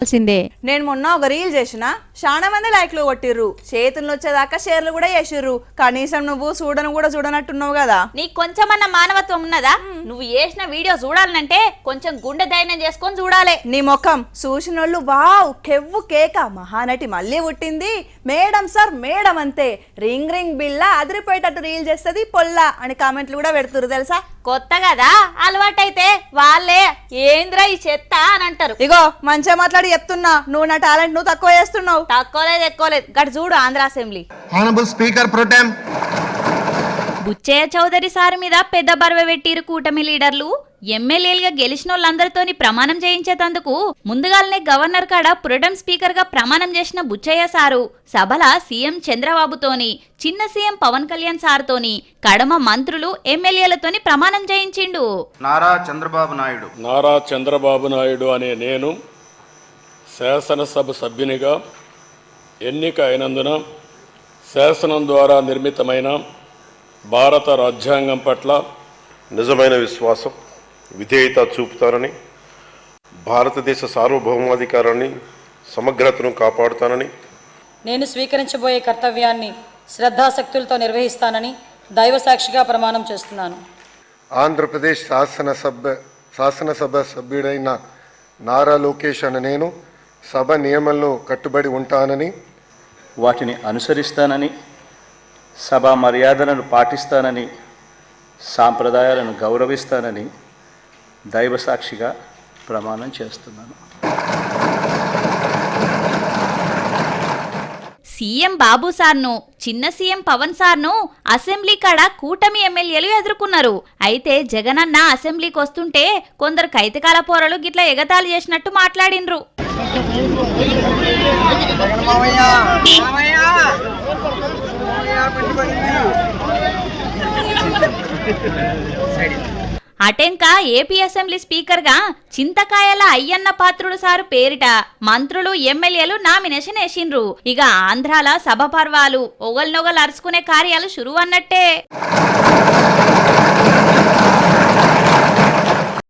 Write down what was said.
నేను మొన్న ఒక రీల్ చేసిన చాలా మంది లైక్లు కొట్టిర్రు, చేతులు వచ్చేదాకా షేర్లు కూడా చేసిర్రు. కనీసం నువ్వు చూడనట్టున్నావు కదా. నీకు కొంచెమన్నా మానవత్వం ఉన్నదా? నువ్వు చేసిన వీడియో చూడాలంటే కొంచెం గుండె ధైర్యం చేసుకొని చూడాలి. నీ ముఖం చూసినోళ్ళు వావ్ కెవ్వు కేక మహానటి మళ్ళీ పుట్టింది, మేడం సార్ మేడం అంతే, రింగ్ రింగ్ బిల్ల అదిరిపోయేటట్టు రీల్ చేస్తుంది పొల్లా అని కామెంట్లు కూడా పెడుతురు తెలుసా. కొత్త కదా, అలవాటైతే వాళ్ళే ఏంద్రా ఈ చెత్త అని అంటారు. ఇగో మంచిగా మాట్లాడి చెప్తున్నా, నువ్వు నా టాలెంట్ నువ్వు తక్కువ చేస్తున్నావు. తక్కువలేదు ఎక్కువలేదు, గడు చూడు Andhra assembly. Honourable speaker protem Buchaiah Chowdary sir మీద పెద్ద బర్వ పెట్టిరు కూటమి లీడర్లు. ఎమ్మెల్యేలుగా గెలిచిన వాళ్ళందరితోని ప్రమాణం చేయించేందుకు ముందుగానే గవర్నర్ కాడ ప్రొటెం స్పీకర్ గా ప్రమాణం చేసిన బుచ్చయ్య సారు సభల సీఎం చంద్రబాబుతోని, చిన్న సీఎం పవన్ కళ్యాణ్ సార్తోని, కడమ మంత్రులు ఎమ్మెల్యేలతోని ప్రమాణం చేయించిండు. నారా చంద్రబాబు నాయుడు అనే నేను శాసనసభ సభ్యునిగా ఎన్నిక అయినందున శాసనం ద్వారా నిర్మితమైన భారత రాజ్యాంగం పట్ల నిజమైన విశ్వాసం, విధేయత చూపుతానని, భారతదేశ సార్వభౌమాధికారాన్ని సమగ్రతను కాపాడుతానని, నేను స్వీకరించబోయే కర్తవ్యాన్ని శ్రద్ధాశక్తులతో నిర్వహిస్తానని దైవసాక్షిగా ప్రమాణం చేస్తున్నాను. ఆంధ్రప్రదేశ్ శాసనసభ సభ్యుడైన నారా లోకేష్ అనే నేను సభ నియమాలను కట్టుబడి ఉంటానని, వాటిని అనుసరిస్తానని, సభా మర్యాదలను పాటిస్తానని, సాంప్రదాయాలను గౌరవిస్తానని దైవసాక్షిగా ప్రమాణం చేస్తున్నాను. సీఎం బాబు సార్ను, చిన్న సీఎం పవన్ సార్ను అసెంబ్లీ కాడ కూటమి ఎమ్మెల్యేలు ఎదుర్కొన్నారు. అయితే జగనన్న అసెంబ్లీకి వస్తుంటే కొందరు కైతకాల పోరలు గిట్ల ఎగతాళి చేసినట్టు మాట్లాడిండ్రు. అటెంక ఏపీ అసెంబ్లీ స్పీకర్ గా చింతకాయల అయ్యన్న పాత్రుడు సారు పేరిట మంత్రులు ఎమ్మెల్యేలు నామినేషన్ వేసిండ్రు. ఇక ఆంధ్రాల సభ పర్వాలు ఒగల్నొగలు అరుచుకునే కార్యాలు షురు అన్నట్టే.